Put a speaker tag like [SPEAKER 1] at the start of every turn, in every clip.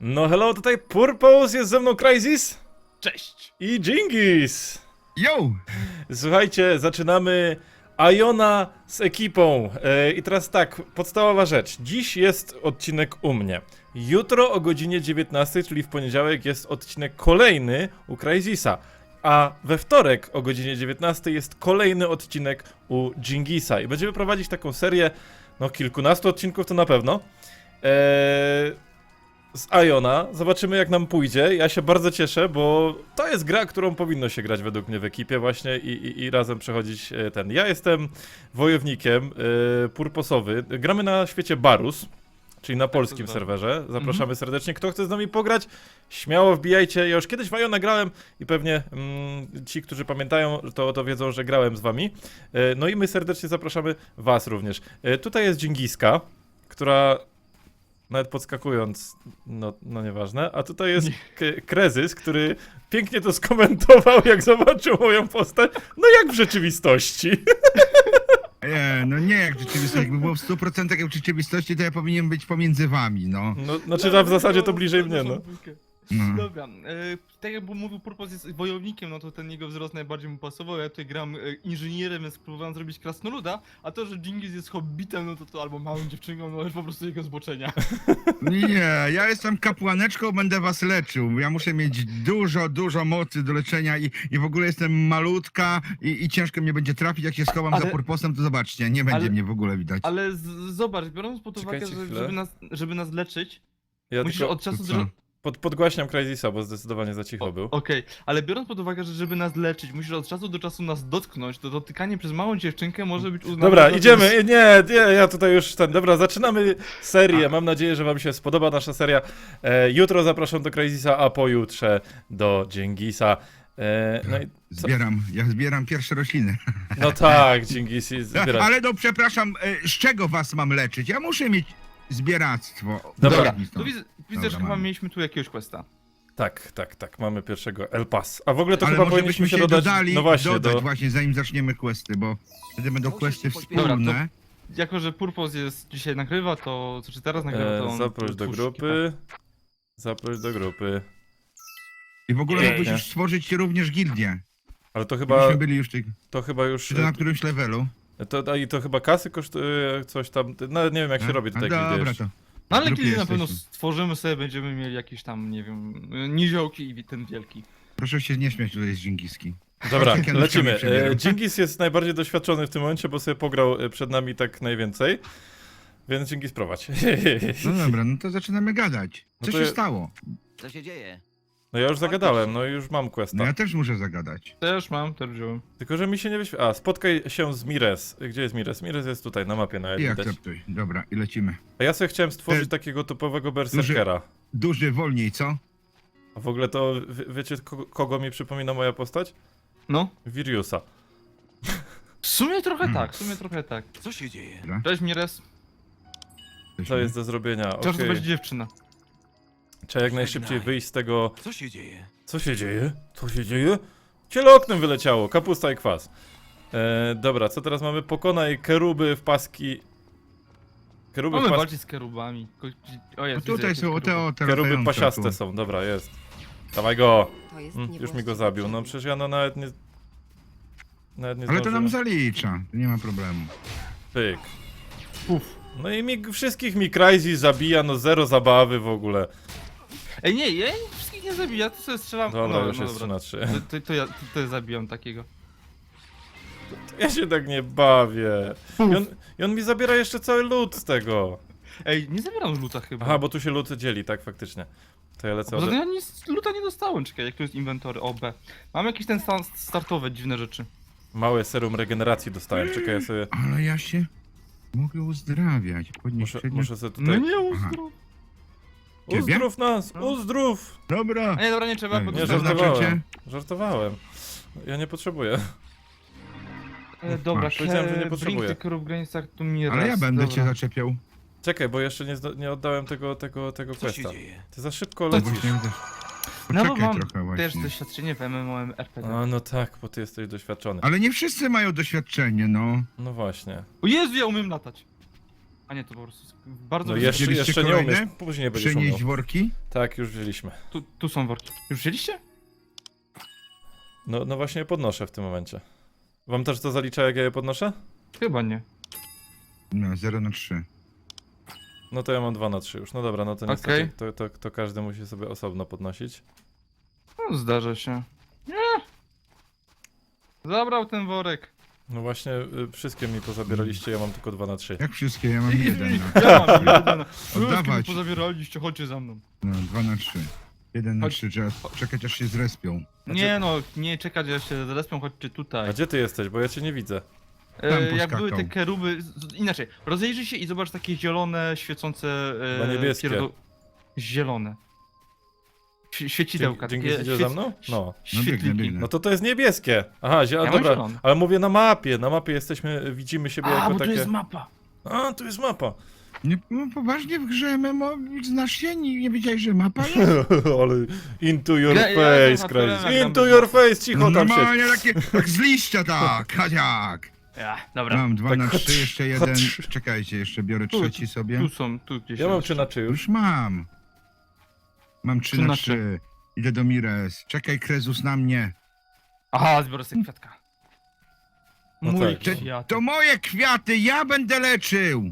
[SPEAKER 1] No hello, tutaj Purpose, jest ze mną Crysis
[SPEAKER 2] Cześć!
[SPEAKER 1] i Dżingis.
[SPEAKER 3] Yo!
[SPEAKER 1] Słuchajcie, zaczynamy Iona z ekipą. I teraz tak, podstawowa rzecz. Dziś jest odcinek u mnie. Jutro o godzinie 19, czyli w poniedziałek, jest odcinek kolejny u Crysisa. A we wtorek o godzinie 19 jest kolejny odcinek u Dżingisa. I będziemy prowadzić taką serię, no kilkunastu odcinków to na pewno. Z Iona. Zobaczymy, jak nam pójdzie. Ja się bardzo cieszę, bo to jest gra, którą powinno się grać według mnie w ekipie właśnie i razem przechodzić ten. Ja jestem wojownikiem purposowy. Gramy na świecie Barus, czyli na polskim serwerze. Zapraszamy serdecznie. Kto chce z nami pograć, śmiało wbijajcie. Ja już kiedyś w Iona grałem i pewnie ci, którzy pamiętają, to wiedzą, że grałem z wami. No i my serdecznie zapraszamy was również. Tutaj jest Dżingiska, która... Nawet podskakując, no nieważne. A tutaj jest Krezys, który pięknie to skomentował, jak zobaczył moją postać. No jak w rzeczywistości.
[SPEAKER 3] No nie jak w rzeczywistości, jakby było w 100% jak w rzeczywistości, to ja powinien być pomiędzy wami, no.
[SPEAKER 1] No, znaczy, w zasadzie to bliżej mnie, no.
[SPEAKER 3] No.
[SPEAKER 2] Dobra, tak jak mówił Purpos jest wojownikiem, no to ten jego wzrost najbardziej mu pasował. Ja tutaj gram inżynierem, więc próbowałem zrobić krasnoluda, a to, że Dżingis jest hobbitem, no to albo małą dziewczyną, no już po prostu jego zboczenia.
[SPEAKER 3] Nie, ja jestem kapłaneczką, będę was leczył. Ja muszę mieć dużo mocy do leczenia i w ogóle jestem malutka i ciężko mnie będzie trafić. Jak się schowam za Purposem, to zobaczcie, nie będzie mnie w ogóle widać.
[SPEAKER 2] Ale zobacz, biorąc pod uwagę,
[SPEAKER 1] Czekajcie
[SPEAKER 2] że
[SPEAKER 1] chwilę.
[SPEAKER 2] żeby nas leczyć,
[SPEAKER 1] Ja
[SPEAKER 2] musisz
[SPEAKER 1] tylko
[SPEAKER 2] od czasu do...
[SPEAKER 3] co?
[SPEAKER 1] podgłaśniam Crysisa, bo zdecydowanie za cicho był.
[SPEAKER 2] Okej, ale biorąc pod uwagę, że żeby nas leczyć, musisz od czasu do czasu nas dotknąć, to dotykanie przez małą dziewczynkę może być uznane
[SPEAKER 1] Dobra,
[SPEAKER 2] za...
[SPEAKER 1] idziemy. Nie, ja tutaj już dobra, zaczynamy serię. Mam nadzieję, że wam się spodoba nasza seria. Jutro zapraszam do Crysisa, a pojutrze do Dżingisa. No i co?
[SPEAKER 3] Ja zbieram pierwsze rośliny.
[SPEAKER 1] No tak, Dżingis zbiera.
[SPEAKER 3] Ale no przepraszam, z czego was mam leczyć? Ja muszę mieć zbieractwo.
[SPEAKER 1] Dobra.
[SPEAKER 3] Udowodnij to.
[SPEAKER 2] Tu widzę, że
[SPEAKER 3] Dobra,
[SPEAKER 2] chyba
[SPEAKER 3] mamy.
[SPEAKER 2] mieliśmy tu jakiegoś questa.
[SPEAKER 1] Tak, mamy pierwszego El Pas. A w ogóle to
[SPEAKER 3] Ale
[SPEAKER 1] chyba
[SPEAKER 3] może
[SPEAKER 1] powinniśmy
[SPEAKER 3] byśmy
[SPEAKER 1] się dodać,
[SPEAKER 3] dodali,
[SPEAKER 1] no właśnie,
[SPEAKER 3] dodać właśnie, zanim zaczniemy questy, bo wtedy będą questy
[SPEAKER 2] Dobra,
[SPEAKER 3] wspólne.
[SPEAKER 2] Jako, że Purpos jest dzisiaj nagrywa, to... Znaczy teraz nagrywa, to on...
[SPEAKER 1] zaproś do
[SPEAKER 2] twórz
[SPEAKER 1] grupy. Zaproś do grupy.
[SPEAKER 3] I w ogóle
[SPEAKER 1] Pięknie.
[SPEAKER 3] mógłbyś już stworzyć również gildię.
[SPEAKER 1] Ale to
[SPEAKER 3] Chyba...
[SPEAKER 1] chyba,
[SPEAKER 3] byli już
[SPEAKER 1] to chyba już,
[SPEAKER 3] czy to na którymś levelu.
[SPEAKER 1] to chyba kasy kosztuje coś tam, nawet nie wiem jak się robi tutaj
[SPEAKER 3] Dobra,
[SPEAKER 1] gildy.
[SPEAKER 3] to.
[SPEAKER 2] No ale
[SPEAKER 3] Grupie
[SPEAKER 2] kiedy na pewno
[SPEAKER 3] jesteśmy.
[SPEAKER 2] stworzymy sobie, będziemy mieli jakieś tam, nie wiem, niziołki i ten wielki.
[SPEAKER 3] Proszę się nie śmiać tutaj z Dżingiski.
[SPEAKER 1] Dobra,
[SPEAKER 3] Takie nóżkami
[SPEAKER 1] lecimy.
[SPEAKER 3] przebieram.
[SPEAKER 1] Dżingis jest najbardziej doświadczony w tym momencie, bo sobie pograł przed nami tak najwięcej. Więc Dżingis prowadź.
[SPEAKER 3] No dobra, no to zaczynamy gadać.
[SPEAKER 1] No
[SPEAKER 3] Co
[SPEAKER 1] to
[SPEAKER 3] się
[SPEAKER 1] ja-
[SPEAKER 3] stało?
[SPEAKER 4] Co się dzieje?
[SPEAKER 1] No ja już zagadałem, no i już mam questa.
[SPEAKER 3] No ja też muszę zagadać.
[SPEAKER 2] Też mam, też wziąłem.
[SPEAKER 1] Tylko, że mi się nie wyświetla. A, spotkaj się z Mires. Gdzie jest Mires? Mires jest tutaj, na mapie nawet
[SPEAKER 3] I
[SPEAKER 1] widać.
[SPEAKER 3] akceptuj. Dobra, i lecimy.
[SPEAKER 1] A ja sobie chciałem stworzyć
[SPEAKER 3] E,
[SPEAKER 1] takiego typowego berserkera.
[SPEAKER 3] Duży, wolniej, co?
[SPEAKER 1] A w ogóle to, wiecie kogo mi przypomina moja postać?
[SPEAKER 2] No.
[SPEAKER 1] Viriusa.
[SPEAKER 2] W sumie trochę tak, w sumie trochę tak.
[SPEAKER 4] Co się dzieje?
[SPEAKER 3] Dobra,
[SPEAKER 2] Cześć Mires.
[SPEAKER 1] Co jest do zrobienia?
[SPEAKER 2] Czas to
[SPEAKER 1] Okej.
[SPEAKER 2] będzie dziewczyna.
[SPEAKER 1] Trzeba jak najszybciej wyjść z tego...
[SPEAKER 4] Co się dzieje?
[SPEAKER 1] Co się dzieje? Co się dzieje? Ciele oknem wyleciało, kapusta i kwas. Dobra, co teraz mamy? Pokonaj keruby w paski... Keruby w
[SPEAKER 2] Mamy
[SPEAKER 1] paski...
[SPEAKER 2] walczyć z kerubami. O
[SPEAKER 3] No
[SPEAKER 2] jest,
[SPEAKER 3] tutaj
[SPEAKER 2] widzę,
[SPEAKER 3] są
[SPEAKER 2] jakieś
[SPEAKER 3] te
[SPEAKER 2] keruby.
[SPEAKER 1] Keruby
[SPEAKER 3] latające
[SPEAKER 1] pasiaste
[SPEAKER 3] tu.
[SPEAKER 1] są, dobra, jest. Dawaj go!
[SPEAKER 5] To jest
[SPEAKER 1] Już mi go zabił, no przecież ja no nawet nie... Nawet nie
[SPEAKER 3] Ale to nam
[SPEAKER 1] zdążyłem.
[SPEAKER 3] zalicza, to nie ma problemu.
[SPEAKER 1] Pyk. No i wszystkich mi Crysis zabija, no zero zabawy w ogóle.
[SPEAKER 2] Ej, nie, ja wszystkich nie zabija, to sobie strzelam.
[SPEAKER 1] Dobra,
[SPEAKER 2] no,
[SPEAKER 1] już
[SPEAKER 2] no
[SPEAKER 1] jest 3
[SPEAKER 2] dobra.
[SPEAKER 1] na 3.
[SPEAKER 2] To ja zabijam takiego.
[SPEAKER 1] Ja się tak nie bawię. I on mi zabiera jeszcze cały loot z tego.
[SPEAKER 2] Ej, nie zabieram luta chyba.
[SPEAKER 1] Aha, bo tu się loot dzieli, tak faktycznie. To ja lecę
[SPEAKER 2] Poza
[SPEAKER 1] od...
[SPEAKER 2] tym ja nic luta nie dostałem, czekaj, jak to jest inwentory, OB. Mam jakieś ten startowe dziwne rzeczy.
[SPEAKER 1] Małe serum regeneracji dostałem, czekaj, ja sobie...
[SPEAKER 3] Ale ja się mogę uzdrawiać. Podnieść
[SPEAKER 1] Muszę sobie
[SPEAKER 2] No
[SPEAKER 1] tutaj...
[SPEAKER 2] nie uzdrów.
[SPEAKER 3] Ciebie?
[SPEAKER 1] Uzdrów nas! Uzdrów!
[SPEAKER 3] Dobra.
[SPEAKER 2] A nie, dobra, nie trzeba, bo
[SPEAKER 3] Nie,
[SPEAKER 1] Nie,
[SPEAKER 2] to
[SPEAKER 1] żartowałem. Żartowałem. Ja nie potrzebuję.
[SPEAKER 2] Dobra,
[SPEAKER 3] Masz.
[SPEAKER 1] Powiedziałem, że nie
[SPEAKER 2] Blink
[SPEAKER 1] potrzebuję.
[SPEAKER 2] the Curve w granicach tu mi
[SPEAKER 3] Ale ja będę cię zaczepiał.
[SPEAKER 1] Czekaj, bo jeszcze nie oddałem tego
[SPEAKER 4] Co się
[SPEAKER 1] questa.
[SPEAKER 4] dzieje?
[SPEAKER 1] Ty za szybko
[SPEAKER 3] No
[SPEAKER 1] lecisz.
[SPEAKER 3] właśnie, też.
[SPEAKER 2] No bo
[SPEAKER 3] Poczekaj
[SPEAKER 2] mam
[SPEAKER 3] trochę
[SPEAKER 2] też
[SPEAKER 3] właśnie.
[SPEAKER 2] doświadczenie w MMORPG.
[SPEAKER 1] A, no tak, bo ty jesteś doświadczony.
[SPEAKER 3] Ale nie wszyscy mają doświadczenie, no.
[SPEAKER 1] No właśnie.
[SPEAKER 2] O Jezu, ja umiem latać. A nie, to po prostu bardzo...
[SPEAKER 1] No
[SPEAKER 2] wysokie.
[SPEAKER 1] jeszcze,
[SPEAKER 3] Wzięliście
[SPEAKER 1] jeszcze nie
[SPEAKER 3] kolejne?
[SPEAKER 1] umiesz, później będziesz
[SPEAKER 3] Przynieść
[SPEAKER 1] umiał.
[SPEAKER 3] worki?
[SPEAKER 1] Tak, już wzięliśmy.
[SPEAKER 2] Tu są worki. Już wzięliście?
[SPEAKER 1] No właśnie je podnoszę w tym momencie. Wam też to zalicza, jak ja je podnoszę?
[SPEAKER 2] Chyba nie.
[SPEAKER 3] No, 0 na 3.
[SPEAKER 1] No to ja mam 2 na 3 już. No dobra, no to niestety
[SPEAKER 2] Okej.
[SPEAKER 1] to każdy musi sobie osobno podnosić.
[SPEAKER 2] No, zdarza się. Nie! Zabrał ten worek.
[SPEAKER 1] No właśnie, wszystkie mi pozabieraliście, ja mam tylko 2 na 3.
[SPEAKER 3] Jak wszystkie? Ja mam 1. No,
[SPEAKER 2] Ja mam jeden.
[SPEAKER 3] Oddawać.
[SPEAKER 2] Pozabieraliście, chodźcie za mną.
[SPEAKER 3] no 2 na 3. 1 na
[SPEAKER 2] Chodź.
[SPEAKER 3] 3, trzeba czekać aż się zrespią.
[SPEAKER 2] Nie no, nie czekać, aż się zarespią, chodźcie tutaj.
[SPEAKER 1] A gdzie ty jesteś? Bo ja cię nie widzę.
[SPEAKER 3] Tam
[SPEAKER 2] Jak
[SPEAKER 3] poskakał.
[SPEAKER 2] były te keruby... Inaczej, rozejrzyj się i zobacz takie zielone, świecące...
[SPEAKER 1] Chyba niebieskie.
[SPEAKER 2] Zielone. Świecidełka.
[SPEAKER 1] Dzięki
[SPEAKER 2] takie
[SPEAKER 1] idzie za mną? No.
[SPEAKER 3] No
[SPEAKER 2] Świetliki.
[SPEAKER 3] biegnę.
[SPEAKER 1] No to jest niebieskie. Aha,
[SPEAKER 2] Ja mam
[SPEAKER 1] dobra.
[SPEAKER 2] zielony.
[SPEAKER 1] Ale mówię na mapie. Na mapie jesteśmy, widzimy siebie
[SPEAKER 2] A,
[SPEAKER 1] jako
[SPEAKER 2] bo
[SPEAKER 1] takie...
[SPEAKER 2] to jest mapa.
[SPEAKER 1] A, tu jest mapa.
[SPEAKER 3] Nie, no, poważnie w grze MMO znasz się? Nie wiedziałeś, że mapa jest?
[SPEAKER 1] Ale into your
[SPEAKER 2] Ja
[SPEAKER 1] face,
[SPEAKER 2] za
[SPEAKER 1] Crazy.
[SPEAKER 2] naturalem
[SPEAKER 1] Into
[SPEAKER 2] gram
[SPEAKER 1] your
[SPEAKER 2] bez
[SPEAKER 1] face, cicho tam siedź.
[SPEAKER 3] Normalnie takie, tak z liścia tak, jak.
[SPEAKER 2] Ja, dobra.
[SPEAKER 3] Mam 2
[SPEAKER 1] Tak,
[SPEAKER 3] na 3, jeszcze jeden.
[SPEAKER 1] chodź.
[SPEAKER 3] Czekajcie, jeszcze biorę
[SPEAKER 2] Tu,
[SPEAKER 3] trzeci sobie.
[SPEAKER 2] Tu są, tu gdzieś.
[SPEAKER 1] Ja mam
[SPEAKER 2] jest.
[SPEAKER 1] 3 na 3 już.
[SPEAKER 3] Już mam. Mam 3
[SPEAKER 2] 3
[SPEAKER 3] na
[SPEAKER 2] na
[SPEAKER 3] 3. Idę do Mires. Czekaj, Krezus na mnie.
[SPEAKER 2] Aha, zbiorę sobie kwiatka.
[SPEAKER 1] No
[SPEAKER 2] Mój
[SPEAKER 1] tak.
[SPEAKER 2] kwiat.
[SPEAKER 3] To moje kwiaty, ja będę leczył.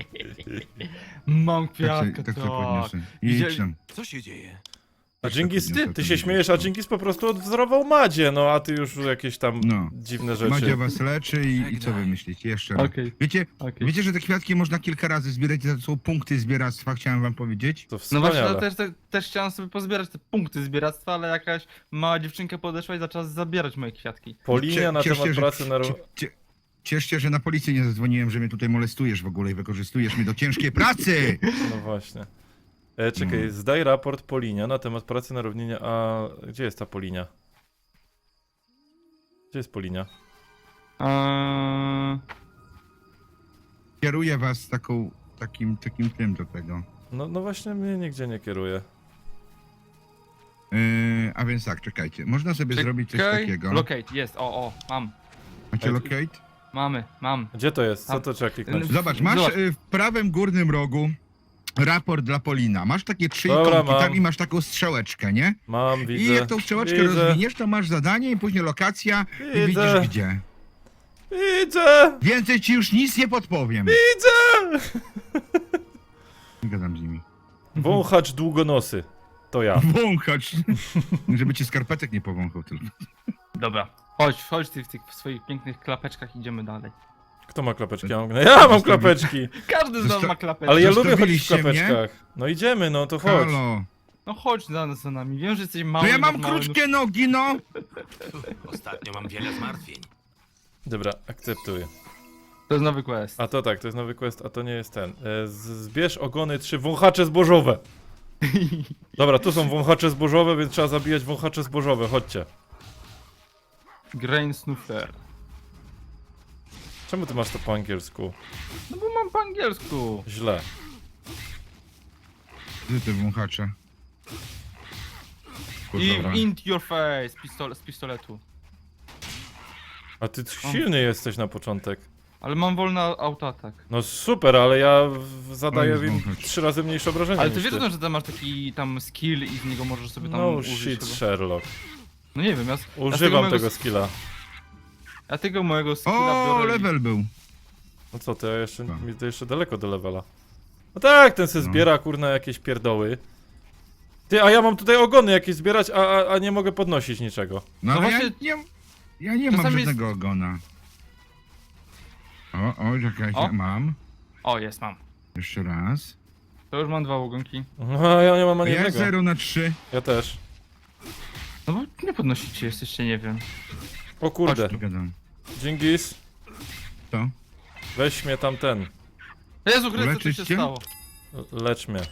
[SPEAKER 2] Mam
[SPEAKER 3] Tak,
[SPEAKER 2] kwiatka,
[SPEAKER 3] tak
[SPEAKER 2] tak.
[SPEAKER 3] to podniosę. I
[SPEAKER 2] Widzieli-
[SPEAKER 3] idź tam.
[SPEAKER 4] Co się dzieje?
[SPEAKER 1] A Dżingis,
[SPEAKER 3] podniosę,
[SPEAKER 1] ty
[SPEAKER 3] to
[SPEAKER 1] się
[SPEAKER 3] nie
[SPEAKER 1] śmiejesz,
[SPEAKER 3] wiem.
[SPEAKER 1] a Dżingis po prostu odwzorował Madzie, no a ty już jakieś tam
[SPEAKER 3] No.
[SPEAKER 1] dziwne rzeczy.
[SPEAKER 3] Madzia was leczy i co wy myślicie? Jeszcze raz.
[SPEAKER 2] Okej.
[SPEAKER 3] Wiecie, wiecie, że te kwiatki można kilka razy zbierać, to są punkty zbieractwa, chciałem wam powiedzieć.
[SPEAKER 1] To
[SPEAKER 2] No
[SPEAKER 1] wspaniale.
[SPEAKER 2] właśnie, też chciałem sobie pozbierać te punkty zbieractwa, ale jakaś mała dziewczynka podeszła i zaczęła zabierać moje kwiatki.
[SPEAKER 1] Polinia na
[SPEAKER 3] Cieszcie,
[SPEAKER 1] temat
[SPEAKER 3] że-
[SPEAKER 1] pracy na...
[SPEAKER 3] Ciesz się, że na policję nie zadzwoniłem, że mnie tutaj molestujesz w ogóle i wykorzystujesz mnie do ciężkiej pracy!
[SPEAKER 1] No właśnie. Czekaj, zdaj raport Polinia na temat pracy na równinie, a gdzie jest ta Polinia? Gdzie jest Polinia?
[SPEAKER 3] Kieruję was takim tym do tego.
[SPEAKER 1] No właśnie mnie nigdzie nie kieruje.
[SPEAKER 3] A więc tak, czekajcie. Można sobie zrobić coś takiego.
[SPEAKER 2] Locate, jest, o, mam.
[SPEAKER 3] Macie locate?
[SPEAKER 2] Mam.
[SPEAKER 1] Gdzie to jest? Co
[SPEAKER 2] Tam.
[SPEAKER 1] to trzeba kliknąć?
[SPEAKER 3] Zobacz, masz
[SPEAKER 2] Zobacz.
[SPEAKER 3] w prawym górnym rogu raport dla Polina. Masz takie 3
[SPEAKER 1] Dobra,
[SPEAKER 3] ikonki
[SPEAKER 1] mam.
[SPEAKER 3] tam i masz taką strzałeczkę, nie?
[SPEAKER 1] Mam, widzę.
[SPEAKER 3] I jak tą strzałeczkę
[SPEAKER 1] Widzę.
[SPEAKER 3] rozwiniesz, to masz zadanie i później lokacja i
[SPEAKER 1] Widzę.
[SPEAKER 3] widzisz gdzie.
[SPEAKER 1] Widzę!
[SPEAKER 3] Więcej ci już nic nie podpowiem.
[SPEAKER 1] Widzę!
[SPEAKER 3] Nie gadam z nimi.
[SPEAKER 1] Wąchacz długonosy. To ja.
[SPEAKER 3] Wąchacz. Żeby ci skarpetek nie powąchał tylko.
[SPEAKER 2] Dobra. Chodź ty w tych swoich pięknych klapeczkach, idziemy dalej.
[SPEAKER 1] Kto ma klapeczki? Ja mam klapeczki!
[SPEAKER 2] Każdy z nas ma klapeczki.
[SPEAKER 1] Ale ja lubię chodzić w
[SPEAKER 3] Zostawiliście mnie?
[SPEAKER 1] klapeczkach. No idziemy, no to chodź.
[SPEAKER 3] Halo.
[SPEAKER 2] No chodź za nami, wiem, że jesteś mały.
[SPEAKER 3] No ja mam
[SPEAKER 2] mały,
[SPEAKER 3] krótkie nogi, no.
[SPEAKER 4] Ostatnio mam wiele zmartwień.
[SPEAKER 1] Dobra, akceptuję.
[SPEAKER 2] To jest nowy quest.
[SPEAKER 1] A to tak, to jest nowy quest, a to nie jest ten. Zbierz ogony 3 wąchacze zbożowe. Dobra, tu są wąchacze zbożowe, więc trzeba zabijać wąchacze zbożowe, chodźcie.
[SPEAKER 2] Grain Snuffer.
[SPEAKER 1] Czemu ty masz to po angielsku?
[SPEAKER 2] No bo mam po angielsku.
[SPEAKER 1] Źle.
[SPEAKER 3] Gdzie te wąchacze?
[SPEAKER 2] I
[SPEAKER 3] Kurwa.
[SPEAKER 2] into your face, z pistoletu.
[SPEAKER 1] A ty silny jesteś na początek.
[SPEAKER 2] Ale mam wolny autoatak.
[SPEAKER 1] No super, ale ja zadaję
[SPEAKER 3] Oj,
[SPEAKER 1] im
[SPEAKER 3] wąchacz.
[SPEAKER 1] 3 razy mniejsze obrażenia
[SPEAKER 2] Ale
[SPEAKER 1] niż
[SPEAKER 2] ty wiesz,
[SPEAKER 1] ty.
[SPEAKER 2] że tam masz taki tam skill i z niego możesz sobie tam
[SPEAKER 1] No
[SPEAKER 2] użyć
[SPEAKER 1] shit,
[SPEAKER 2] chyba.
[SPEAKER 1] Sherlock.
[SPEAKER 2] No nie wiem,
[SPEAKER 1] Używam
[SPEAKER 2] mojego
[SPEAKER 1] tego skilla.
[SPEAKER 2] Ja tego mojego skilla
[SPEAKER 3] O,
[SPEAKER 2] biorę
[SPEAKER 3] level był.
[SPEAKER 1] No co ty, ja jeszcze,
[SPEAKER 3] Co?
[SPEAKER 1] mi to jeszcze daleko do levela. No tak, ten se
[SPEAKER 3] No.
[SPEAKER 1] zbiera kurna jakieś pierdoły. Ty, a ja mam tutaj ogony jakieś zbierać, a nie mogę podnosić niczego.
[SPEAKER 3] No,
[SPEAKER 2] No
[SPEAKER 3] ale
[SPEAKER 2] właśnie-
[SPEAKER 3] ja nie mam
[SPEAKER 2] czasami jest-
[SPEAKER 3] żadnego ogona. O, czekajcie,
[SPEAKER 2] O.
[SPEAKER 3] mam.
[SPEAKER 2] O, jest, mam.
[SPEAKER 3] Jeszcze raz.
[SPEAKER 2] To już mam 2 ogonki.
[SPEAKER 1] No, ja nie mam ani
[SPEAKER 3] Ja
[SPEAKER 1] jednego.
[SPEAKER 3] 0 na 3.
[SPEAKER 1] Ja też.
[SPEAKER 2] No bo nie podnosicie, jesteście, nie wiem.
[SPEAKER 1] O kurde,
[SPEAKER 3] Nie gadam.
[SPEAKER 1] Dżingis,
[SPEAKER 3] To?
[SPEAKER 1] weź mnie tam ten.
[SPEAKER 2] Jezu Chryste, co
[SPEAKER 3] Leczyć
[SPEAKER 2] się
[SPEAKER 3] cię?
[SPEAKER 2] stało?
[SPEAKER 1] Lecz mnie.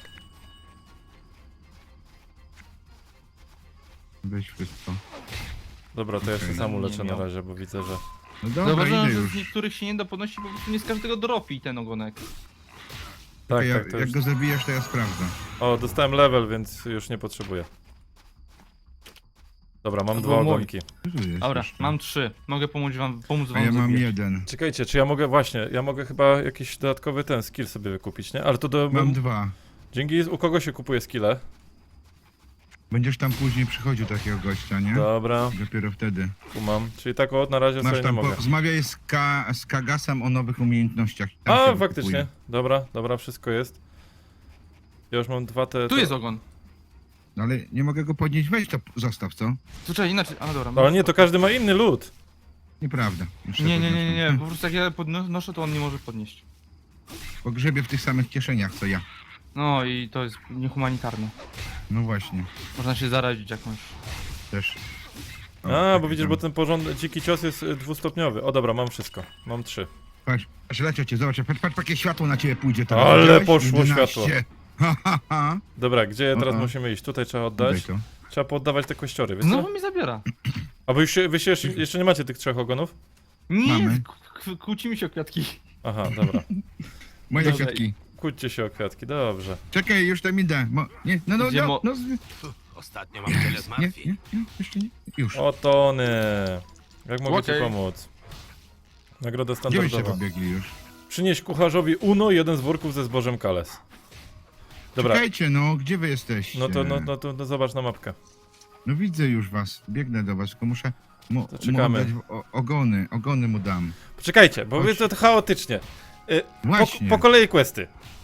[SPEAKER 3] Weź wszystko.
[SPEAKER 1] Dobra, to ja się
[SPEAKER 3] Okej.
[SPEAKER 1] sam
[SPEAKER 2] Nie
[SPEAKER 1] uleczę na
[SPEAKER 2] miał.
[SPEAKER 1] razie, bo widzę, że...
[SPEAKER 3] No dobra,
[SPEAKER 2] Zauważyłem,
[SPEAKER 3] idę
[SPEAKER 2] że
[SPEAKER 3] już.
[SPEAKER 2] z niektórych się nie da podnosić, bo po prostu nie z każdego dropi ten ogonek.
[SPEAKER 1] Tak,
[SPEAKER 3] ja,
[SPEAKER 1] tak, to
[SPEAKER 3] jak
[SPEAKER 1] już...
[SPEAKER 3] go zabijasz, to ja sprawdzę.
[SPEAKER 1] O, dostałem level, więc już nie potrzebuję. Dobra, mam
[SPEAKER 2] To
[SPEAKER 1] dwa
[SPEAKER 2] był mój.
[SPEAKER 1] ogonki.
[SPEAKER 3] Co tu jest
[SPEAKER 2] Dobra,
[SPEAKER 3] jeszcze?
[SPEAKER 2] mam 3. Mogę pomóc wam
[SPEAKER 3] A ja mam
[SPEAKER 2] zabijać.
[SPEAKER 3] jeden.
[SPEAKER 1] Czekajcie, czy ja mogę, właśnie, ja mogę chyba jakiś dodatkowy ten skill sobie wykupić, nie? Ale to do...
[SPEAKER 3] Mam 2.
[SPEAKER 1] Dzięki, u kogo się kupuje skille?
[SPEAKER 3] Będziesz tam później przychodził takiego gościa, nie?
[SPEAKER 1] Dobra,
[SPEAKER 3] Dopiero wtedy.
[SPEAKER 1] tu mam. Czyli tak o, na razie
[SPEAKER 3] Masz
[SPEAKER 1] sobie nie
[SPEAKER 3] tam,
[SPEAKER 1] mogę.
[SPEAKER 3] rozmawiaj z Kagasem o nowych umiejętnościach. Tam się
[SPEAKER 1] A,
[SPEAKER 3] wykupuje.
[SPEAKER 1] faktycznie. Dobra, dobra, wszystko jest. Ja już mam dwa te...
[SPEAKER 2] Tu jest ogon.
[SPEAKER 3] No ale nie mogę go podnieść, weź to zostaw, co?
[SPEAKER 2] Tu trzeba inaczej. A dobra.
[SPEAKER 1] Ale nie, to każdy ma inny lód.
[SPEAKER 3] Nieprawda. Już
[SPEAKER 2] Nie,
[SPEAKER 3] sobie
[SPEAKER 2] nie, nie, nie, nie.
[SPEAKER 3] podniosłem.
[SPEAKER 2] Po prostu jak ja podnoszę, to on nie może podnieść.
[SPEAKER 3] Pogrzebie w tych samych kieszeniach, co ja.
[SPEAKER 2] No i to jest niehumanitarne.
[SPEAKER 3] No właśnie,
[SPEAKER 2] Można się zarazić jakąś.
[SPEAKER 3] też. O,
[SPEAKER 1] A,
[SPEAKER 3] taki
[SPEAKER 1] bo widzisz,
[SPEAKER 3] tam.
[SPEAKER 1] bo ten porządny, dziki cios jest dwustopniowy. O dobra, mam wszystko. Mam 3.
[SPEAKER 3] Patrz, leciał cię, zobacz, patrz, jakie światło na ciebie pójdzie teraz.
[SPEAKER 1] Ale
[SPEAKER 3] Widziałeś?
[SPEAKER 1] poszło
[SPEAKER 3] 11.
[SPEAKER 1] światło.
[SPEAKER 3] Ha, ha, ha.
[SPEAKER 1] Dobra, gdzie teraz
[SPEAKER 3] O.
[SPEAKER 1] musimy iść? Tutaj trzeba
[SPEAKER 3] Daj
[SPEAKER 1] oddać.
[SPEAKER 3] to.
[SPEAKER 1] Trzeba poddawać te kościory, wiesz co?
[SPEAKER 2] Znowu mi zabiera.
[SPEAKER 1] A wy się jeszcze nie macie tych 3 ogonów?
[SPEAKER 2] Nie,
[SPEAKER 3] Mamy.
[SPEAKER 2] kłócimy się o kwiatki.
[SPEAKER 1] Aha, dobra.
[SPEAKER 3] Moje
[SPEAKER 2] Dobra.
[SPEAKER 3] kwiatki.
[SPEAKER 1] Kłóćcie się o kwiatki, dobrze.
[SPEAKER 3] Czekaj, już tam idę. Nie, no,
[SPEAKER 2] Gdzie mo-
[SPEAKER 4] Ostatnio mam wiele
[SPEAKER 3] nie,
[SPEAKER 4] zmartwień.
[SPEAKER 3] nie, jeszcze nie. Już.
[SPEAKER 1] O Tony! Jak mogę ci
[SPEAKER 2] Okej.
[SPEAKER 1] pomóc? Nagroda
[SPEAKER 3] Gdzie byście
[SPEAKER 1] standardowa.
[SPEAKER 3] pobiegli już?
[SPEAKER 1] Przynieś kucharzowi Uno jeden z worków ze zbożem Kales. Dobra,
[SPEAKER 3] Czekajcie, no, gdzie wy jesteście?
[SPEAKER 1] no zobacz na mapkę.
[SPEAKER 3] No widzę już was, biegnę do was, tylko muszę
[SPEAKER 1] To czekamy.
[SPEAKER 3] mu oddać ogony mu dam.
[SPEAKER 1] Poczekajcie, bo
[SPEAKER 3] Chodź.
[SPEAKER 1] wy to chaotycznie.
[SPEAKER 3] Właśnie.
[SPEAKER 1] Po kolei questy.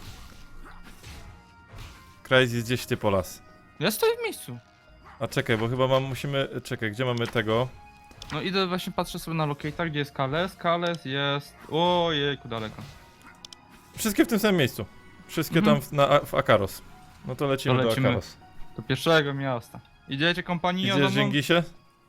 [SPEAKER 1] Crazy gdzieś ty po las.
[SPEAKER 2] Ja stoję w miejscu.
[SPEAKER 1] A czekaj, bo chyba musimy... Czekaj, gdzie mamy tego?
[SPEAKER 2] No idę właśnie patrzę sobie na locator, gdzie jest Kales. Kales jest... Ojejku, daleko.
[SPEAKER 1] Wszystkie w tym samym miejscu. Wszystkie
[SPEAKER 2] Mhm.
[SPEAKER 1] tam w Akaros. No to lecimy,
[SPEAKER 2] To
[SPEAKER 1] do
[SPEAKER 2] lecimy.
[SPEAKER 1] Akaros.
[SPEAKER 2] Do pierwszego miasta. Idziecie kompanii
[SPEAKER 1] Idziesz, Dżingisie?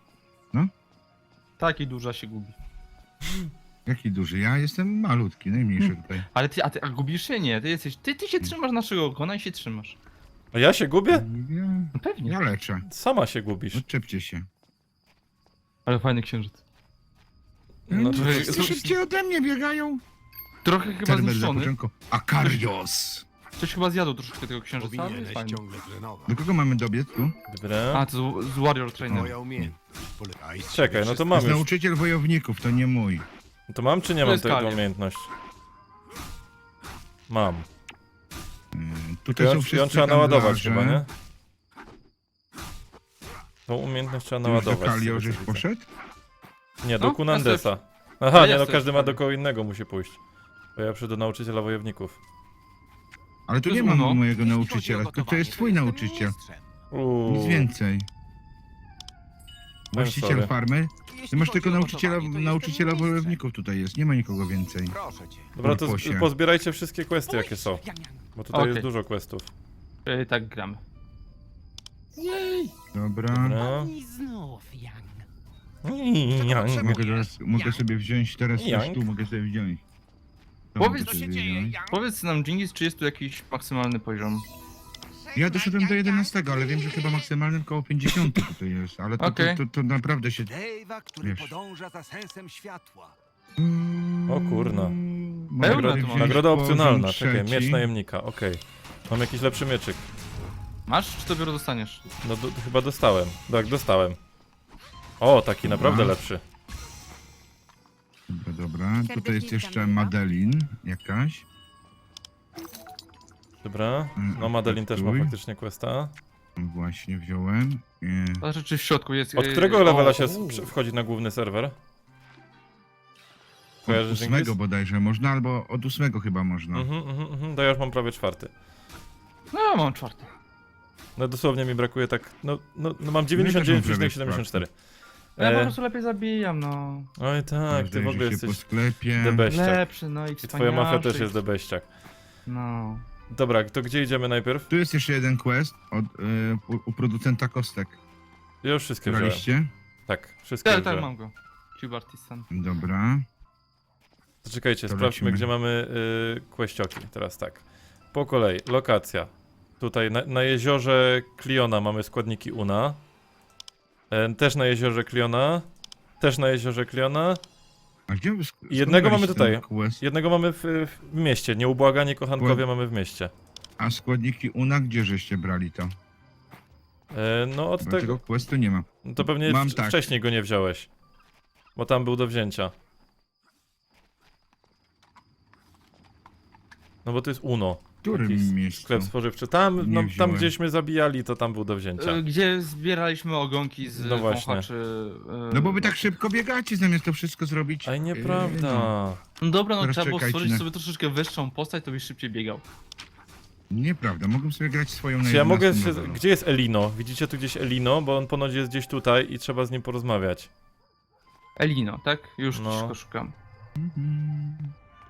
[SPEAKER 2] Taki duża się gubi.
[SPEAKER 3] Jaki duży? Ja jestem malutki, najmniejszy tutaj.
[SPEAKER 2] Ale a gubisz się? Nie, ty jesteś... Ty się trzymasz naszego ogona i się trzymasz.
[SPEAKER 1] A ja się gubię?
[SPEAKER 3] Ja,
[SPEAKER 2] No pewnie.
[SPEAKER 3] ja leczę.
[SPEAKER 1] Sama się gubisz.
[SPEAKER 3] Odczepcie się.
[SPEAKER 2] Ale fajny księżyc.
[SPEAKER 1] No to
[SPEAKER 3] Wszyscy szybciej ode mnie biegają.
[SPEAKER 2] Trochę chyba
[SPEAKER 3] Serwer
[SPEAKER 2] zniszczony.
[SPEAKER 3] zapoczynku. Akarios!
[SPEAKER 2] Ktoś chyba zjadł troszeczkę tego księżyca, ale jest
[SPEAKER 4] Powinieneś
[SPEAKER 2] fajny.
[SPEAKER 4] ciągle trenować.
[SPEAKER 3] Do kogo mamy dobiec tu?
[SPEAKER 1] Dobra.
[SPEAKER 2] A, to z Warrior Trainer.
[SPEAKER 4] Moja umiejętność. Polegaj z
[SPEAKER 1] Czekaj, no to
[SPEAKER 4] wszystko.
[SPEAKER 1] mam
[SPEAKER 3] jest
[SPEAKER 1] już.
[SPEAKER 3] nauczyciel wojowników, to nie mój.
[SPEAKER 1] To mam czy nie
[SPEAKER 2] To
[SPEAKER 1] mam
[SPEAKER 2] jest
[SPEAKER 1] tego
[SPEAKER 2] Kalian.
[SPEAKER 1] umiejętność? Mam.
[SPEAKER 3] Tutaj są
[SPEAKER 1] Ją
[SPEAKER 3] wszyscy
[SPEAKER 1] trzeba naładować
[SPEAKER 3] handlarze.
[SPEAKER 1] chyba, nie? Tą umiejętność trzeba
[SPEAKER 3] Ty już do
[SPEAKER 1] naładować. z
[SPEAKER 3] Kalio
[SPEAKER 1] tego, co
[SPEAKER 3] żeś
[SPEAKER 1] widzę.
[SPEAKER 3] poszedł?
[SPEAKER 1] Nie, do
[SPEAKER 2] No,
[SPEAKER 1] Kunandesa.
[SPEAKER 2] ja
[SPEAKER 1] Aha, nie, no
[SPEAKER 2] jestem
[SPEAKER 1] każdy ma
[SPEAKER 2] w
[SPEAKER 1] do
[SPEAKER 2] Kalio.
[SPEAKER 1] kogo innego musi pójść. Bo ja przyjdę do nauczyciela wojowników.
[SPEAKER 3] Ale tu
[SPEAKER 2] To
[SPEAKER 3] nie
[SPEAKER 2] jest
[SPEAKER 3] mam
[SPEAKER 2] Uno.
[SPEAKER 3] mojego
[SPEAKER 5] Jeśli chodzi o
[SPEAKER 3] nauczyciela, to
[SPEAKER 5] gotowanie,
[SPEAKER 3] jest twój
[SPEAKER 5] jestem
[SPEAKER 3] nauczyciel.
[SPEAKER 5] mistrzem.
[SPEAKER 3] Nic więcej. Właściciel
[SPEAKER 1] sorry.
[SPEAKER 3] farmy?
[SPEAKER 5] Jeśli
[SPEAKER 3] Ty masz
[SPEAKER 5] chodzi
[SPEAKER 3] tylko
[SPEAKER 5] o
[SPEAKER 3] nauczyciela,
[SPEAKER 5] gotowanie, to
[SPEAKER 3] nauczyciela
[SPEAKER 5] jestem mistrzem.
[SPEAKER 3] wojowników tutaj jest, nie ma nikogo więcej.
[SPEAKER 5] Proszę cię.
[SPEAKER 1] Dobra, to
[SPEAKER 3] Purposie.
[SPEAKER 1] pozbierajcie wszystkie questy jakie są. Bo tutaj
[SPEAKER 2] Okej.
[SPEAKER 1] jest dużo questów.
[SPEAKER 2] Tak gramy.
[SPEAKER 3] Dobra.
[SPEAKER 1] Dobra.
[SPEAKER 5] I znów, Jan.
[SPEAKER 3] Mogę sobie wziąć teraz coś
[SPEAKER 1] Jank.
[SPEAKER 3] tu, mogę sobie wziąć. To
[SPEAKER 2] Powiedz,
[SPEAKER 3] mogę
[SPEAKER 2] co
[SPEAKER 3] sobie
[SPEAKER 5] się dzieje,
[SPEAKER 3] wziąć.
[SPEAKER 5] Jan?
[SPEAKER 2] Powiedz nam, Dżingis, czy jest tu jakiś maksymalny poziom?
[SPEAKER 3] Ja doszedłem do 11, ale wiem, że chyba maksymalnym koło 50 tutaj jest, ale to,
[SPEAKER 2] Okej.
[SPEAKER 3] to naprawdę się...
[SPEAKER 5] Dave'a, który
[SPEAKER 3] Wiesz.
[SPEAKER 5] podąża za sensem światła.
[SPEAKER 1] O kurna.
[SPEAKER 3] Mogę
[SPEAKER 2] Pełno
[SPEAKER 3] sobie
[SPEAKER 2] tu mam.
[SPEAKER 3] wziąć
[SPEAKER 1] Nagroda
[SPEAKER 3] poziom
[SPEAKER 1] opcjonalna, czekaj,
[SPEAKER 3] trzeci.
[SPEAKER 1] miecz najemnika, okej. Mam jakiś lepszy mieczyk.
[SPEAKER 2] Masz, czy dopiero dostaniesz?
[SPEAKER 1] No chyba dostałem. Tak, dostałem. O, taki naprawdę
[SPEAKER 3] Dobra.
[SPEAKER 1] lepszy.
[SPEAKER 3] Dobra, dobra. Tutaj
[SPEAKER 6] Serdecznie
[SPEAKER 3] jest
[SPEAKER 6] witam,
[SPEAKER 3] jeszcze
[SPEAKER 6] Ewa.
[SPEAKER 3] Madeline jakaś.
[SPEAKER 1] Dobra. No Madeline też ma
[SPEAKER 3] Akceptuj.
[SPEAKER 1] faktycznie questa.
[SPEAKER 3] Właśnie wziąłem.
[SPEAKER 2] A rzeczy w środku jest...
[SPEAKER 1] Od którego levela się
[SPEAKER 2] o.
[SPEAKER 1] wchodzi na główny serwer? Kojarzysz,
[SPEAKER 3] Od 8
[SPEAKER 1] Dżingis?
[SPEAKER 3] bodajże można, albo od 8 chyba można.
[SPEAKER 1] To ja już mam prawie 4.
[SPEAKER 2] No ja mam 4.
[SPEAKER 1] No dosłownie mi brakuje tak, no mam
[SPEAKER 3] No ja też mam prawie
[SPEAKER 1] 99,74.
[SPEAKER 2] Ja po
[SPEAKER 1] E,
[SPEAKER 2] prostu lepiej zabijam, no.
[SPEAKER 1] Oj tak, ty w ogóle
[SPEAKER 3] Rozejrzyj się po
[SPEAKER 1] jesteś
[SPEAKER 3] sklepie.
[SPEAKER 1] debeściak.
[SPEAKER 2] Lepszy, no i
[SPEAKER 1] I twoja mafia też
[SPEAKER 2] wspanialszy.
[SPEAKER 1] jest debeściak.
[SPEAKER 2] No.
[SPEAKER 1] Dobra, to gdzie idziemy najpierw?
[SPEAKER 3] Tu jest jeszcze jeden quest u producenta kostek.
[SPEAKER 1] Ja już wszystkie wziąłem.
[SPEAKER 3] Braliście?
[SPEAKER 1] Tak, wszystkie
[SPEAKER 2] Tak,
[SPEAKER 1] już
[SPEAKER 2] tak,
[SPEAKER 1] wziąłem.
[SPEAKER 2] mam go. Cube Artisan.
[SPEAKER 3] Dobra.
[SPEAKER 1] To czekajcie,
[SPEAKER 3] To
[SPEAKER 1] sprawdźmy
[SPEAKER 3] lecimy.
[SPEAKER 1] gdzie mamy questionki. Teraz tak. Po kolei, lokacja. Tutaj na jeziorze Kliona mamy składniki Una. Też na jeziorze Kliona. Też na jeziorze Kliona.
[SPEAKER 3] A gdzie
[SPEAKER 1] Jednego mamy
[SPEAKER 3] skąd braliście
[SPEAKER 1] tutaj.
[SPEAKER 3] ten quest?
[SPEAKER 1] Jednego mamy w mieście. Nieubłagani kochankowie mamy w mieście.
[SPEAKER 3] A składniki UNA, gdzie żeście brali to?
[SPEAKER 1] No od
[SPEAKER 3] Tego
[SPEAKER 1] tego,
[SPEAKER 3] questu nie ma.
[SPEAKER 1] to pewnie
[SPEAKER 3] Mam tak.
[SPEAKER 1] wcześniej go nie wziąłeś. Bo tam był do wzięcia. No bo to jest Uno.
[SPEAKER 3] W którym
[SPEAKER 1] Jakiś
[SPEAKER 3] miejscu?
[SPEAKER 1] sklep spożywczy. Tam,
[SPEAKER 3] Nie
[SPEAKER 1] no, tam
[SPEAKER 3] wziąłem.
[SPEAKER 1] gdzieśmy zabijali, to tam był do wzięcia.
[SPEAKER 2] Gdzie zbieraliśmy ogonki z
[SPEAKER 1] No właśnie.
[SPEAKER 2] wąchaczy.
[SPEAKER 3] No bo wy tak szybko biegacie, zamiast to wszystko zrobić.
[SPEAKER 1] Aj, nieprawda.
[SPEAKER 2] No dobra, no
[SPEAKER 3] Teraz
[SPEAKER 2] trzeba było
[SPEAKER 3] czekajcie
[SPEAKER 2] stworzyć
[SPEAKER 3] na-
[SPEAKER 2] sobie troszeczkę wyższą postać, to byś szybciej biegał.
[SPEAKER 3] Nieprawda, mogłem sobie grać swoją na
[SPEAKER 1] Czy ja mogę
[SPEAKER 3] 11
[SPEAKER 1] się...
[SPEAKER 3] levelu.
[SPEAKER 1] Gdzie jest Elino? Widzicie tu gdzieś Elino? Bo on ponoć jest gdzieś tutaj i trzeba z nim porozmawiać.
[SPEAKER 2] Elino, tak? Już
[SPEAKER 1] No.
[SPEAKER 2] szybko szukam.
[SPEAKER 3] Mhm.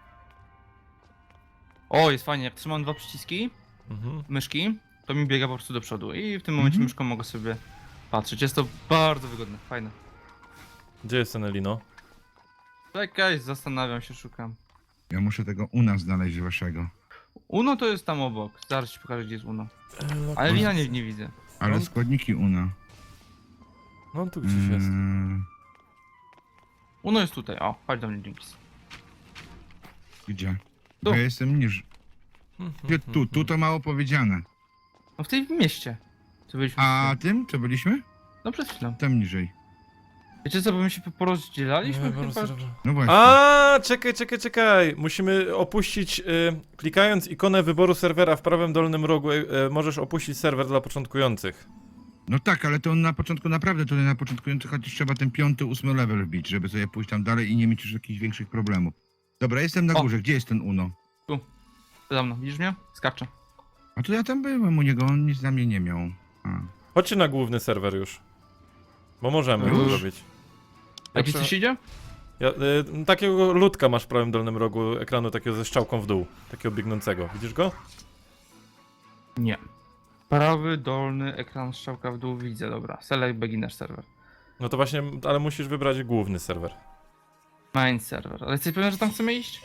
[SPEAKER 2] O, jest fajnie, jak trzymam 2 przyciski
[SPEAKER 1] Mhm.
[SPEAKER 2] myszki, to mi biega po prostu do przodu i w tym momencie
[SPEAKER 3] Mhm.
[SPEAKER 2] myszką mogę sobie patrzeć. Jest to bardzo wygodne, fajne.
[SPEAKER 1] Gdzie jest ten Elino?
[SPEAKER 2] Czekaj, zastanawiam się, szukam.
[SPEAKER 3] Ja muszę tego u nas znaleźć waszego.
[SPEAKER 2] Uno to jest tam obok, zaraz ci pokażę, gdzie jest Uno. Ale Lina nie widzę.
[SPEAKER 3] Ale
[SPEAKER 1] No.
[SPEAKER 3] składniki UNA.
[SPEAKER 1] No on tu gdzieś jest.
[SPEAKER 2] Uno jest tutaj, o, chodź do mnie, Jinx.
[SPEAKER 3] Gdzie?
[SPEAKER 2] Tu.
[SPEAKER 3] Bo ja jestem niż. Gdzie tu to mało powiedziane.
[SPEAKER 2] No w tej mieście. Co byliśmy?
[SPEAKER 3] A tym, co byliśmy?
[SPEAKER 2] No przed chwilą.
[SPEAKER 3] Tam niżej.
[SPEAKER 2] Wiecie co, bo my się porozdzielaliśmy
[SPEAKER 1] Nie,
[SPEAKER 2] chyba?
[SPEAKER 3] No właśnie.
[SPEAKER 1] A, czekaj. Musimy opuścić, klikając ikonę wyboru serwera w prawym dolnym rogu, możesz opuścić serwer dla początkujących.
[SPEAKER 3] No tak, ale to na początku naprawdę, tutaj na początkujący chociaż trzeba ten 5., 8. level wbić, żeby sobie pójść tam dalej i nie mieć już jakichś większych problemów. Dobra, jestem na
[SPEAKER 2] O.
[SPEAKER 3] górze. Gdzie jest ten Uno?
[SPEAKER 2] Za mną, widzisz mnie? Skaczę.
[SPEAKER 3] A to ja tam byłem u niego, on nic na mnie nie miał. A.
[SPEAKER 1] Chodźcie na główny serwer już. Bo możemy to
[SPEAKER 3] Już?
[SPEAKER 1] zrobić.
[SPEAKER 2] A gdzie coś idzie?
[SPEAKER 1] Ja, takiego ludka masz w prawym dolnym rogu ekranu, takiego ze strzałką w dół. Takiego biegnącego. Widzisz go?
[SPEAKER 2] Nie. Prawy dolny ekran strzałka w dół widzę, dobra. Select beginner server.
[SPEAKER 1] No to właśnie, ale musisz wybrać główny serwer.
[SPEAKER 2] Main server. Ale jesteś pewien, że tam chcemy iść?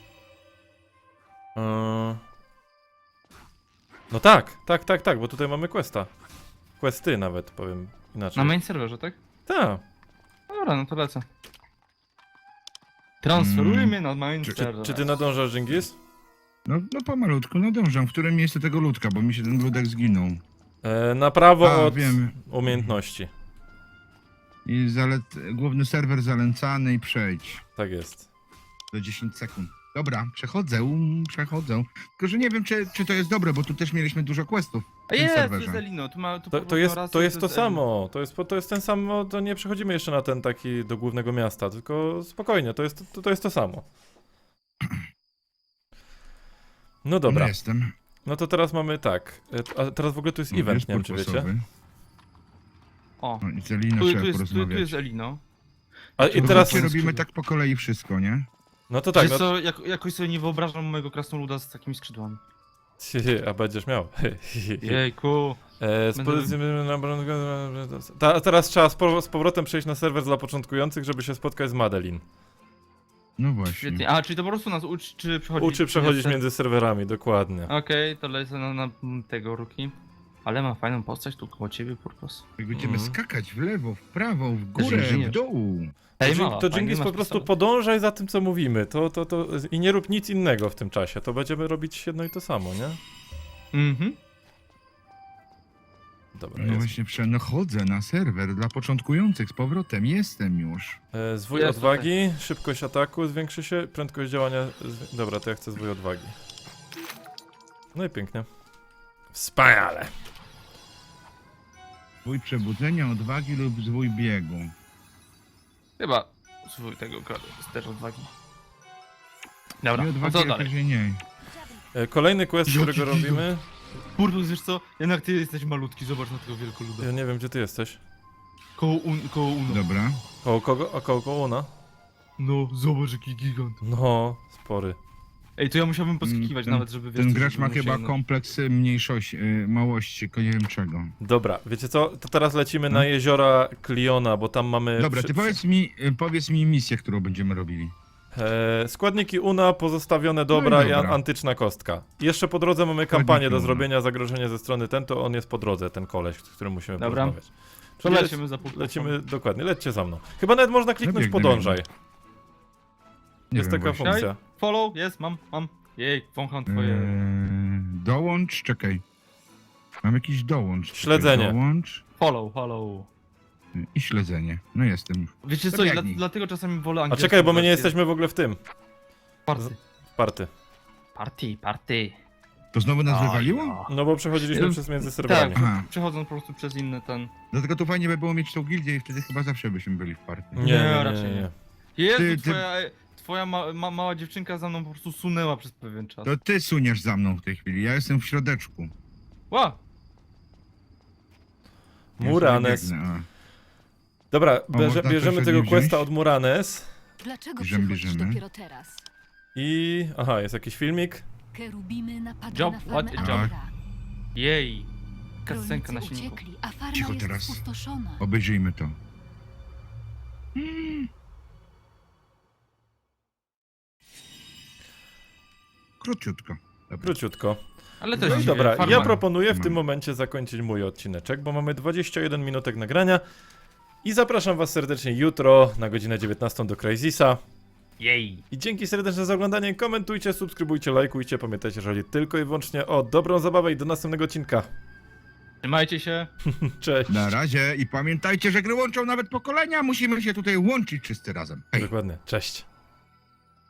[SPEAKER 1] No tak, bo tutaj mamy questa. Questy nawet, powiem inaczej.
[SPEAKER 2] Na main serwerze, tak?
[SPEAKER 1] Tak.
[SPEAKER 2] No dobra, no to lecę. Transferuj mnie na main
[SPEAKER 3] Czy-
[SPEAKER 2] serwer.
[SPEAKER 1] Czy ty nadążasz, Dżingis?
[SPEAKER 3] No pomalutku, nadążam. W którym miejscu tego ludka, bo mi się ten ludek zginął.
[SPEAKER 1] Na prawo
[SPEAKER 3] A,
[SPEAKER 1] od
[SPEAKER 3] wiem.
[SPEAKER 1] umiejętności.
[SPEAKER 3] I główny serwer zalęcany i przejdź.
[SPEAKER 1] Tak jest.
[SPEAKER 3] Do 10 sekund. Dobra, przechodzę. Tylko, że nie wiem, czy to jest dobre, bo tu też mieliśmy dużo questów.
[SPEAKER 2] A
[SPEAKER 3] w tym
[SPEAKER 2] jest, to
[SPEAKER 3] serwerze.
[SPEAKER 2] jest Elino. Tu ma, tu
[SPEAKER 1] To
[SPEAKER 2] podobno
[SPEAKER 1] jest
[SPEAKER 2] raz
[SPEAKER 1] to, jest to
[SPEAKER 2] Elino.
[SPEAKER 1] samo. To jest ten sam, to nie przechodzimy jeszcze na ten taki do głównego miasta, tylko spokojnie, to jest to samo. No dobra,
[SPEAKER 3] No jestem.
[SPEAKER 1] no to teraz mamy tak. A teraz w ogóle tu jest
[SPEAKER 3] No,
[SPEAKER 1] event,
[SPEAKER 3] jest
[SPEAKER 1] nie wiem czy wiecie.
[SPEAKER 3] purposowy.
[SPEAKER 2] O,
[SPEAKER 3] No i z Eliną
[SPEAKER 2] tu
[SPEAKER 3] trzeba
[SPEAKER 2] jest
[SPEAKER 3] porozmawiać.
[SPEAKER 2] Elino.
[SPEAKER 1] A i
[SPEAKER 3] Bo
[SPEAKER 1] teraz.
[SPEAKER 3] wiecie, robimy tak po kolei wszystko, nie?
[SPEAKER 1] No to tak,
[SPEAKER 2] Wiesz
[SPEAKER 1] no.
[SPEAKER 2] co, jakoś sobie nie wyobrażam mojego krasnoluda z takimi skrzydłami.
[SPEAKER 1] A będziesz miał.
[SPEAKER 2] Jejku.
[SPEAKER 1] Teraz trzeba z powrotem przejść na serwer dla początkujących, żeby się spotkać z Madeline.
[SPEAKER 3] No właśnie.
[SPEAKER 2] Świetnie. A, czyli to po prostu nas uczy, czy przechodzić?
[SPEAKER 1] Uczy przechodzić między serwerami, dokładnie.
[SPEAKER 2] Okej, to lecę na tego ruki. Ale ma fajną postać tu koło ciebie, Purpos.
[SPEAKER 3] Jak będziemy
[SPEAKER 1] Mhm.
[SPEAKER 3] skakać w lewo, w prawo, w górę,
[SPEAKER 2] inżynier.
[SPEAKER 3] w dół.
[SPEAKER 2] Ej,
[SPEAKER 1] To,
[SPEAKER 2] mała,
[SPEAKER 1] to
[SPEAKER 2] fajny
[SPEAKER 1] Dżingis
[SPEAKER 2] masz
[SPEAKER 1] po prostu
[SPEAKER 2] pistolet.
[SPEAKER 1] podążaj za tym, co mówimy. I nie rób nic innego w tym czasie. To będziemy robić jedno i to samo, nie?
[SPEAKER 2] Mhm.
[SPEAKER 1] Dobra,
[SPEAKER 3] No
[SPEAKER 1] jest.
[SPEAKER 3] właśnie, przechodzę na serwer dla początkujących z powrotem. Jestem już.
[SPEAKER 1] Zwój
[SPEAKER 2] Jest
[SPEAKER 1] odwagi, szybkość ataku zwiększy się, prędkość działania... Dobra, to ja chcę zwój odwagi. No i pięknie. Wspaniale.
[SPEAKER 3] Zwój przebudzenia, odwagi lub zwój biegu.
[SPEAKER 2] Chyba swój tego kradu, jest też odwagi. Dobra,
[SPEAKER 3] I
[SPEAKER 2] no
[SPEAKER 3] odwagi
[SPEAKER 2] co dalej?
[SPEAKER 3] jakoś nie.
[SPEAKER 1] Kolejny quest, którego
[SPEAKER 3] Jaki gigant.
[SPEAKER 1] robimy...
[SPEAKER 2] Purpos, wiesz co? Jednak ty jesteś malutki, zobacz na tego wielkoluda.
[SPEAKER 1] Ja nie wiem, gdzie ty jesteś.
[SPEAKER 2] Koło Uno.
[SPEAKER 3] Dobra.
[SPEAKER 1] Koło kogo? A koło Una?
[SPEAKER 2] No, zobacz jaki gigant.
[SPEAKER 1] No, spory.
[SPEAKER 2] Ej, to ja musiałbym poskikiwać
[SPEAKER 3] Ten-
[SPEAKER 2] nawet, żeby wiesz,
[SPEAKER 3] Ten
[SPEAKER 2] co,
[SPEAKER 3] gracz
[SPEAKER 2] żeby
[SPEAKER 3] ma
[SPEAKER 2] mu
[SPEAKER 3] chyba
[SPEAKER 2] się-
[SPEAKER 3] kompleks mniejszości, małości, tylko nie wiem czego.
[SPEAKER 1] Dobra, wiecie co? To teraz lecimy
[SPEAKER 3] No.
[SPEAKER 1] na jeziora Kliona, bo tam mamy...
[SPEAKER 3] Dobra, ty powiedz mi misję, którą będziemy robili.
[SPEAKER 1] Składniki UNA, pozostawione dobra i
[SPEAKER 3] dobra.
[SPEAKER 1] antyczna kostka. I jeszcze po drodze mamy kampanię do
[SPEAKER 3] UNA.
[SPEAKER 1] zrobienia, zagrożenie ze strony ten, to on jest po drodze, ten koleś, z którym musimy
[SPEAKER 2] Dobra.
[SPEAKER 1] porozmawiać.
[SPEAKER 2] To
[SPEAKER 1] Czyli
[SPEAKER 2] lecimy za Purposem.
[SPEAKER 1] lecimy, dokładnie, lećcie za mną. Chyba nawet można kliknąć
[SPEAKER 3] biegnę,
[SPEAKER 1] podążaj.
[SPEAKER 3] Nie
[SPEAKER 1] Jest
[SPEAKER 3] wiem
[SPEAKER 1] taka
[SPEAKER 3] właśnie.
[SPEAKER 1] funkcja.
[SPEAKER 2] Follow, jest, mam. Jej, wącham twoje...
[SPEAKER 3] Dołącz, czekaj. Mam jakiś dołącz.
[SPEAKER 1] Śledzenie.
[SPEAKER 3] Dołącz
[SPEAKER 2] Follow.
[SPEAKER 3] i śledzenie. No jestem.
[SPEAKER 2] Wiecie
[SPEAKER 3] To
[SPEAKER 2] co,
[SPEAKER 3] biegnij.
[SPEAKER 2] dlatego czasami wolę
[SPEAKER 1] A
[SPEAKER 2] angielską
[SPEAKER 1] czekaj, bo my nie
[SPEAKER 2] wersję.
[SPEAKER 1] jesteśmy w ogóle w tym.
[SPEAKER 2] Party.
[SPEAKER 1] Party.
[SPEAKER 2] Party.
[SPEAKER 3] To znowu nas wywaliło?
[SPEAKER 1] No bo przechodziliśmy przez między serwerami.
[SPEAKER 2] Tak,
[SPEAKER 3] Aha.
[SPEAKER 2] przechodząc po prostu przez inny ten...
[SPEAKER 3] Dlatego to fajnie by było mieć tą gildię i wtedy chyba zawsze byśmy byli w partii.
[SPEAKER 1] Nie,
[SPEAKER 2] raczej
[SPEAKER 1] nie,
[SPEAKER 2] nie.
[SPEAKER 1] nie.
[SPEAKER 2] Jezu,
[SPEAKER 3] Ty-
[SPEAKER 2] twoja mała dziewczynka za mną po prostu sunęła przez pewien czas.
[SPEAKER 3] To ty suniesz za mną w tej chwili, ja jestem w środeczku.
[SPEAKER 2] Ła!
[SPEAKER 3] Ja
[SPEAKER 1] Muranes.
[SPEAKER 3] sobie biegnę,
[SPEAKER 1] Dobra,
[SPEAKER 3] można coś
[SPEAKER 1] bierzemy
[SPEAKER 3] od
[SPEAKER 1] tego
[SPEAKER 3] niej
[SPEAKER 1] questa
[SPEAKER 3] wziąć?
[SPEAKER 1] od Muranes.
[SPEAKER 6] Dlaczego
[SPEAKER 3] Bierzemy,
[SPEAKER 6] przychodzisz
[SPEAKER 3] bierzemy.
[SPEAKER 6] dopiero teraz?
[SPEAKER 1] I... Aha, jest jakiś filmik.
[SPEAKER 6] Kerubimy napadły
[SPEAKER 2] Jump,
[SPEAKER 6] na
[SPEAKER 2] what
[SPEAKER 6] farmę
[SPEAKER 2] a
[SPEAKER 3] jump.
[SPEAKER 6] Amora.
[SPEAKER 2] Jej! Kascenka na
[SPEAKER 6] Rolnicy
[SPEAKER 2] silniku.
[SPEAKER 6] uciekli, a farma
[SPEAKER 3] Cicho
[SPEAKER 6] jest
[SPEAKER 3] teraz.
[SPEAKER 6] spustoszona.
[SPEAKER 3] Obejrzyjmy to. Króciutko. Dobra.
[SPEAKER 1] Króciutko.
[SPEAKER 2] Ale
[SPEAKER 1] No
[SPEAKER 2] też
[SPEAKER 1] i dobra,
[SPEAKER 2] farma.
[SPEAKER 1] ja proponuję w
[SPEAKER 3] Farma.
[SPEAKER 1] tym momencie zakończyć mój odcineczek, bo mamy 21 minutek nagrania. I zapraszam was serdecznie jutro na godzinę 19 do Crazisa.
[SPEAKER 2] Jej!
[SPEAKER 1] I dzięki serdeczne za oglądanie, komentujcie, subskrybujcie, lajkujcie, pamiętajcie, że chodzi tylko i wyłącznie o dobrą zabawę i do następnego odcinka.
[SPEAKER 2] Trzymajcie się!
[SPEAKER 1] Cześć.
[SPEAKER 3] Na razie i pamiętajcie, że gry łączą nawet pokolenia, musimy się tutaj łączyć wszyscy razem. Hej.
[SPEAKER 1] Dokładnie, cześć.